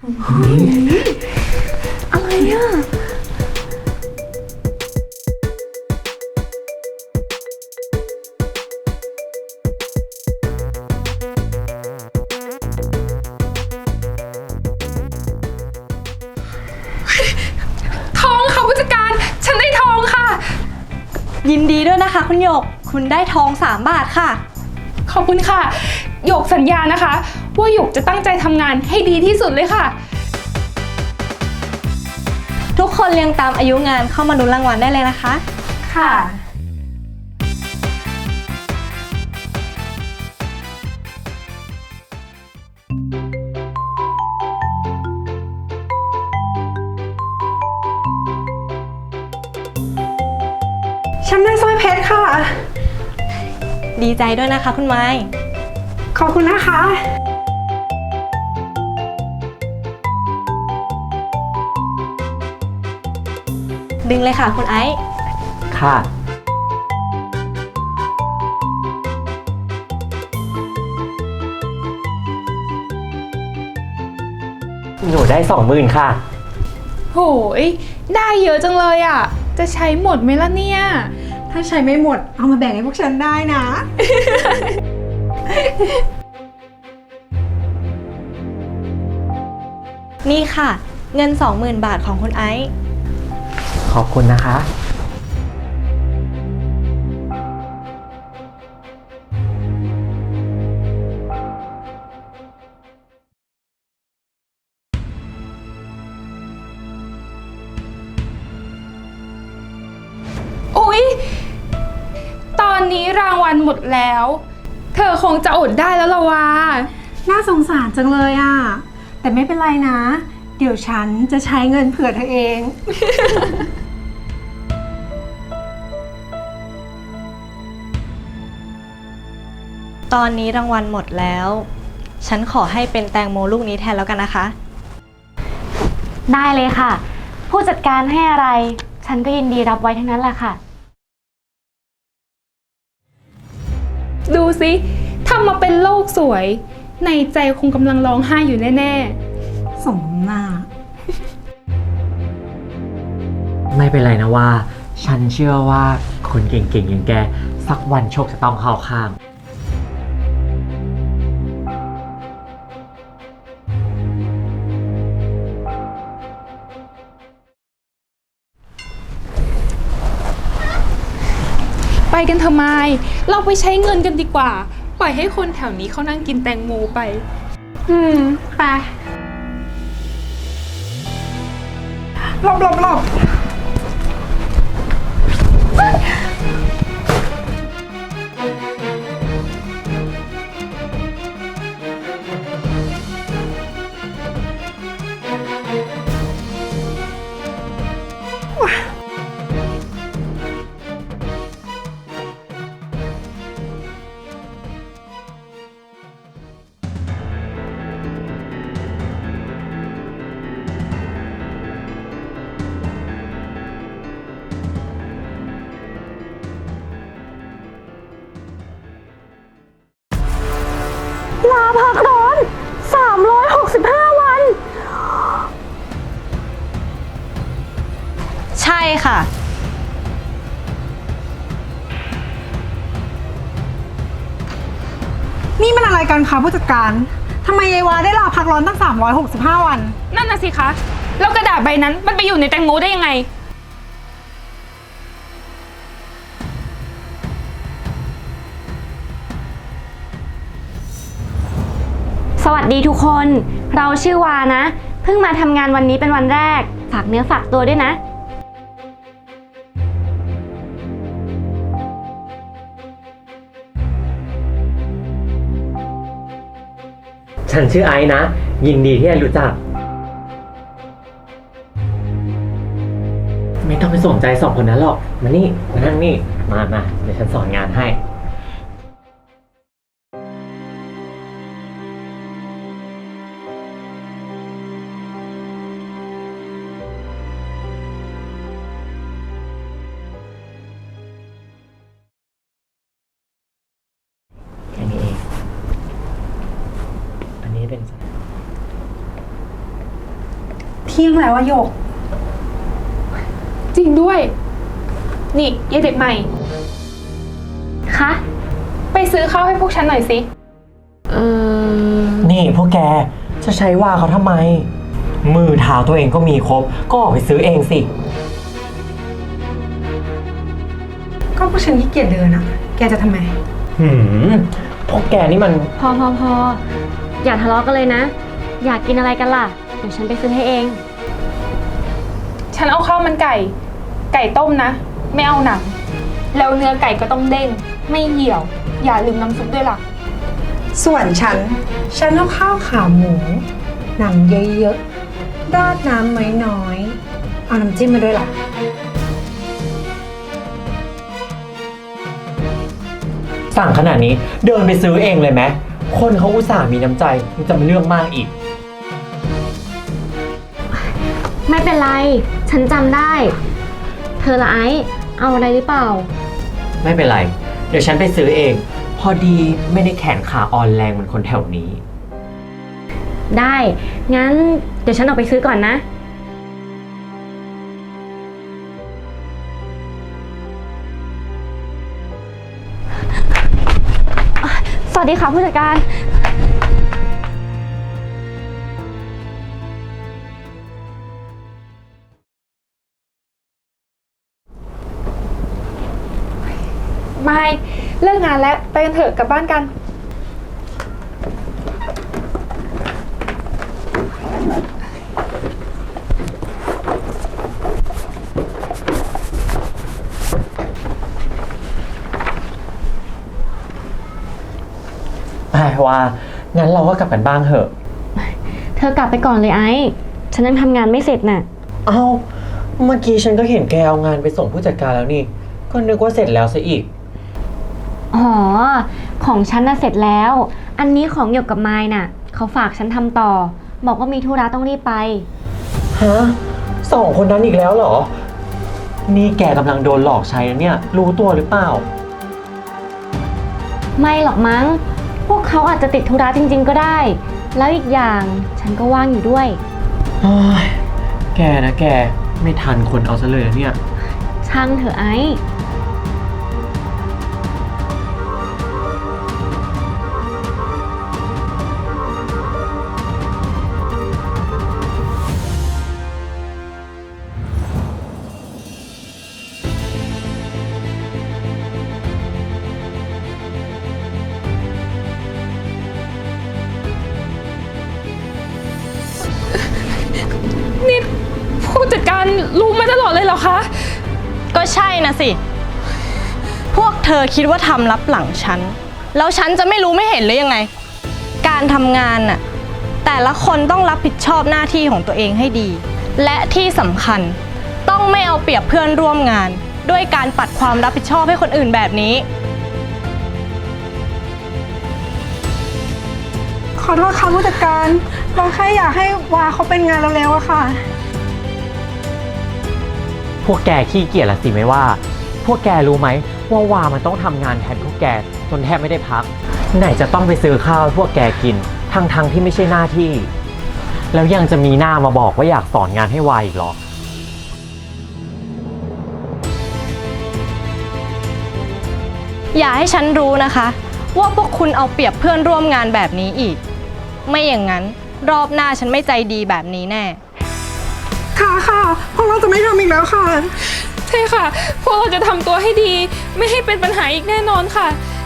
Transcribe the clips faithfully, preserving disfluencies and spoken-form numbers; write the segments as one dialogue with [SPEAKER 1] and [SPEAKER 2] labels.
[SPEAKER 1] อะไรอ่ะ
[SPEAKER 2] ทองค่ะผู้จัดการฉันได้ทองค่ะ
[SPEAKER 1] ยินดีด้วยนะคะคุณหยกคุณได้ทองสามบาทค่ะ
[SPEAKER 2] ขอบคุณค่ะหยกสัญญานะคะว่าหยกจะตั้งใจทำงานให้ดีที่สุดเลยค่ะ
[SPEAKER 1] ทุกคนเรียงตามอายุงานเข้ามาลุ้นรางวัลได้เลยนะคะ
[SPEAKER 2] ค่ะ
[SPEAKER 3] ฉันได้สร้อยเพชรค่ะ
[SPEAKER 1] ดีใจด้วยนะคะคุณไม้
[SPEAKER 3] ขอบคุณนะคะ
[SPEAKER 1] ดึงเลยค่ะคุณไอซ์
[SPEAKER 4] ค่ะหนูได้สองหมื่นค่ะ
[SPEAKER 2] โหยได้เยอะจังเลยอ่ะจะใช้หมดไหมล่ะเนี่ย
[SPEAKER 3] ถ้าใช้ไม่หมดเอามาแบ่งให้พวกฉันได้นะ
[SPEAKER 1] นี่ค่ะเงิน สองหมื่น บาทของคุณไอซ์
[SPEAKER 4] ขอบคุณนะคะ
[SPEAKER 2] อุ๊ยตอนนี้รางวัลหมดแล้ว เธอคงจะอดได้แล้วละวะ
[SPEAKER 3] น่าสงสารจังเลยอ่ะแต่ไม่เป็นไรนะ เดี๋ยวฉันจะใช้เงินเผื่อเธอเอง
[SPEAKER 1] ตอนนี้รางวัลหมดแล้ว ฉันขอให้เป็นแตงโมลูกนี้แทนแล้วกันนะคะ
[SPEAKER 5] ได้เลยค่ะ ผู้จัดการให้อะไร ฉันก็ยินดีรับไว้ทั้งนั้นแหละค่ะ
[SPEAKER 2] ดูสิทำมาเป็นโลกสวย ในใจคงกำลังร้องไห้อยู่แน่
[SPEAKER 3] สมหน้า
[SPEAKER 4] ไม่เป็นไรนะว่า ฉันเชื่อว่าคนเก่งๆอย่างแก สักวันโชคจะต้องเข้าข้าง
[SPEAKER 2] ๆ ไปกันเถอะไมค์เราไปใช้เงินกันดีกว่า ปล่อยให้คนแถวนี้เขานั่งกินแตงโมไป
[SPEAKER 3] อืม ไปหลบหลบหลบลาพักร้อนสามร้อยหกสิบห้าวัน
[SPEAKER 1] ใช่ค่ะ
[SPEAKER 3] นี่มันอะไรกันคะผู้จัดการทำไมยายวาได้ลาพักร้อนตั้งสามร้อยหกสิบห้าวัน
[SPEAKER 2] นั่นน่ะสิคะแล้วกระดาษใบนั้นมันไปอยู่ในแตงโมได้ยังไง
[SPEAKER 5] สวัสดีทุกคน เราชื่อวานะ เพิ่งมาทำงานวันนี้เป็นวันแรก ฝากเนื้อฝากตัวด้วยนะ
[SPEAKER 4] ฉันชื่อไอซ์นะ ยินดีที่ได้รู้จัก ไม่ต้องไปสนใจสองคนนั้นหรอก มานี่ มานั่งนี่ มามาเดี๋ยวฉันสอนงานให้ แค่นี้เอง อันนี้เป็น
[SPEAKER 3] เที่ยงแล้วอะหยก
[SPEAKER 2] จริงด้วย นี่ยายเด็กใหม่
[SPEAKER 5] คะ
[SPEAKER 2] ไปซื้อข้าวให้พวกฉันหน่อยสิ
[SPEAKER 5] เออ
[SPEAKER 4] นี่พวกแกจะใช้ว่าเขาทำไม มือเท้าตัวเองก็มีครบ ก็ออกไปซื้อเองสิ
[SPEAKER 3] ก็พวกฉันขี้เกียจเดินอะแกจะทำไม
[SPEAKER 4] หืม พวกแกนี่มัน
[SPEAKER 5] พอพอพออย่าทะเลาะกันเลยนะ อยากกินอะไรกันล่ะ เดี๋ยวฉันไปซื้อให้เอง
[SPEAKER 2] ฉันเอาข้าวมันไก่ ไก่ต้มนะ ไม่เอาหนัง แล้วเนื้อไก่ก็ต้องเด้ง ไม่เหี่ยว อย่าลืมน้ำซุปด้วยล่ะ
[SPEAKER 3] ส่วนฉัน ฉันเอาข้าวขาหมู หนังเยอะๆ ราดน้ำน้อยๆ เอาน้ำจิ้มมาด้วยล่ะ
[SPEAKER 4] สั่งขนาดนี้เดินไปซื้อเองเลยไหม คนเขาอุตส่าห์มีน้ำใจยังจะมาเรื่องมากอีก
[SPEAKER 5] ไม่เป็นไร ฉันจำได้ เธอละไอซ์เอาอะไรหรือเปล่า
[SPEAKER 4] ไม่เป็นไร เดี๋ยวฉันไปซื้อเอง พอดีไม่ได้แขนขาอ่อนแรงเหมือนคนแถวนี้
[SPEAKER 5] ได้ งั้นเดี๋ยวฉันออกไปซื้อก่อนนะ สวัสดีค่ะผู้จัดการ
[SPEAKER 2] ไม่ เลิกงานแล้ว ไปกันเถอะกลับบ้านกัน
[SPEAKER 4] แต่ว่างั้นเราก็กลับกันบ้างเถอะ
[SPEAKER 5] เธอกลับไปก่อนเลยไอซ์ฉันยังทำงานไม่เสร็จน่ะ
[SPEAKER 4] เอ้า เมื่อกี้ฉันก็เห็นแกเอางานไปส่งผู้จัดการแล้วนี่ ก็นึกว่าเสร็จแล้วซะอีก
[SPEAKER 5] อ๋อ ของฉันน่ะเสร็จแล้ว อันนี้ของหยกกับไม้น่ะ เขาฝากฉันทำต่อ บอกว่ามีธุระต้องรีบไป
[SPEAKER 4] ฮะสองคนนั้นอีกแล้วเหรอ นี่แกกำลังโดนหลอกใช้นะเนี่ย รู้ตัวหรือเปล่า
[SPEAKER 5] ไม่หรอกมั้ง พวกเขาอาจจะติดธุระจริงๆก็ได้ แล้วอีกอย่างฉันก็ว่างอยู่ด้วย
[SPEAKER 4] เฮ้ย แกนะแก ไม่ทันคนเอาซะเลยนะเนี่ย
[SPEAKER 5] ช่างเถอะไอ้
[SPEAKER 2] นี่ผู้จัดการรู้มาตลอดเลยเหรอคะ
[SPEAKER 1] ก็ใช่นะสิ พวกเธอคิดว่าทำลับหลังฉัน แล้วฉันจะไม่รู้ไม่เห็นหรือยังไง การทำงานน่ะ แต่ละคนต้องรับผิดชอบหน้าที่ของตัวเองให้ดี และที่สำคัญต้องไม่เอาเปรียบเพื่อนร่วมงาน ด้วยการปัดความรับผิดชอบให้คนอื่นแบบนี้
[SPEAKER 3] ขอโทษค่ะผู้จัดการ เราแค่อยากให้วาเขาเป็นงานเร็วๆอะค่ะ
[SPEAKER 4] พวกแกขี้เกียจละสิไม่ว่า พวกแกรู้ไหมว่าวามันต้องทำงานแทนพวกแกจนแทบไม่ได้พัก ไหนจะต้องไปซื้อข้าวให้พวกแกกินทั้งๆทที่ไม่ใช่หน้าที่ แล้วยังจะมีหน้ามาบอกว่าอยากสอนงานให้วาอีกเหรอ
[SPEAKER 1] อย่าให้ฉันรู้นะคะ ว่าพวกคุณเอาเปรียบเพื่อนร่วมงานแบบนี้อีก ไม่อย่างนั้นรอบหน้าฉันไม่ใจดีแบบนี้แน่
[SPEAKER 3] ค่ะค่ะพวกเราจะไม่ทำอีกแล้วค่ะ
[SPEAKER 2] ใช่ค่ะ พวกเราจะทำตัวให้ดี ไม่ให้เป็นปัญหาอีกแน่นอนค่ะ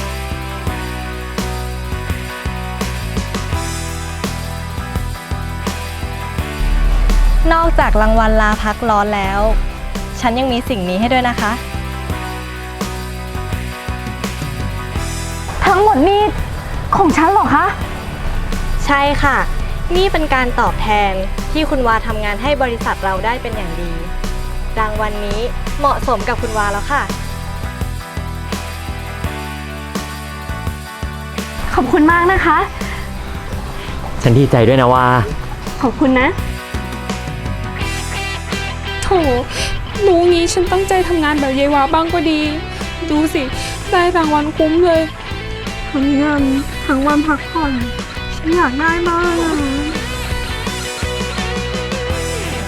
[SPEAKER 1] นอกจากรางวัลลาพักร้อนแล้ว ฉันยังมีสิ่งนี้ให้ด้วยนะคะ
[SPEAKER 5] ทั้งหมดนี่ของฉันเหรอคะ
[SPEAKER 1] ใช่ค่ะ นี่เป็นการตอบแทนที่คุณวาทำงานให้บริษัทเราได้เป็นอย่างดี รางวัลนี้เหมาะสมกับคุณวาแล้วค่ะ
[SPEAKER 5] ขอบคุณมากนะคะ
[SPEAKER 4] ฉันดีใจด้วยนะว่า
[SPEAKER 5] ขอบคุณนะ
[SPEAKER 2] โถรู้งี้ฉันตั้งใจทำงานแบบยายวาบ้างก็ดี ดูสิ ได้รางวัลคุ้มเลย
[SPEAKER 3] ทั้งเงินทั้งวันพักผ่อน ฉันอยากได้บ้างอะ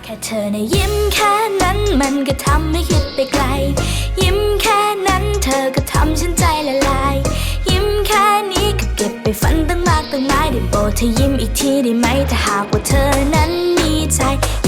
[SPEAKER 6] ค่เธอนะยิ้มแค่นั้นมันก็ทำให้คิดไปไกล ยิ้มแค่นั้นเธอก็ทำฉันใจละลาย ยิ้มแค่นี้ก็เก็บไปฝันตั้งมากตั้งหลายได้โปรดเธอยิ้มอีกทีได้ไหมถ้าหากว่าเธอนั้นมีใจ